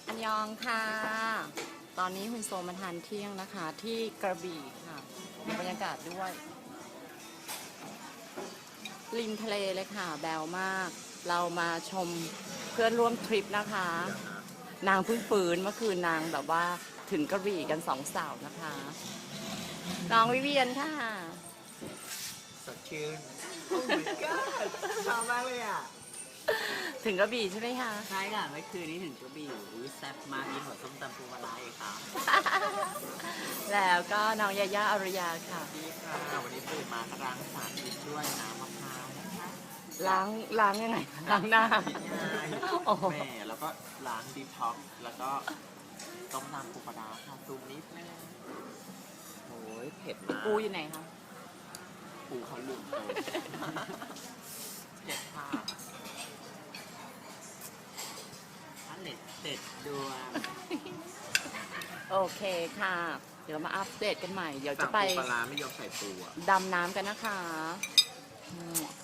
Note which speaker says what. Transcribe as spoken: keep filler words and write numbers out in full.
Speaker 1: อันยองค่ะ ตอนนี้คุณโซมาทานเที่ยงนะคะ ที่กระบี่ค่ะมีบรรยากาศด้วยริมทะเลเลยค่ะ แบวมาก เรามาชมเพื่อนร่วมทริปนะคะ นางเพิ่งฟื้นเมื่อคืนนางแบบว่าถึงกระบี่กันสองสาวนะคะน้องวิเวียนค่ะ
Speaker 2: สดชื่น โอ้ my god ชอบมากเลยอ่ะ
Speaker 1: ถึงกระบี่ใช่ไหมคะ
Speaker 2: ใช่ค่ะเมื่อคืนนี้ถึงกระบี่อุ้ยแซ่บมากกินหัวส้มตำปูปลาร้าอีกครับ
Speaker 1: แล้วก็น้องยาย่าอารยาค่ะ
Speaker 2: ดีค่ะวันนี้ตื่นมาก็ล้างสารพิษด้วยน้ำมะพร้าวนะคะ
Speaker 1: ล้างล้างยังไงล้างหน้า
Speaker 2: ง่าย
Speaker 1: โอ้โห
Speaker 2: แม่แล้วก็ล้างดีท็อกซ์แล้วก็ต้มน้ำปูปลาร้าค่ะตูมนิดนึงโอ้ยเผ็ดมาก
Speaker 1: ปูอยู่ไหนคะ
Speaker 2: ปูเขาลืมโตเผ็ดค่ะอันเด็ดเด็ดดวง
Speaker 1: โอเคค่ะ เดี๋ยวมาอัปเดตกันใหม่ เดี๋ยวจะ
Speaker 2: สั่ง
Speaker 1: ไป
Speaker 2: ปูปลาร้าไม่ยอมใส่ปูอ่ะ
Speaker 1: ดำน้ำกันนะคะ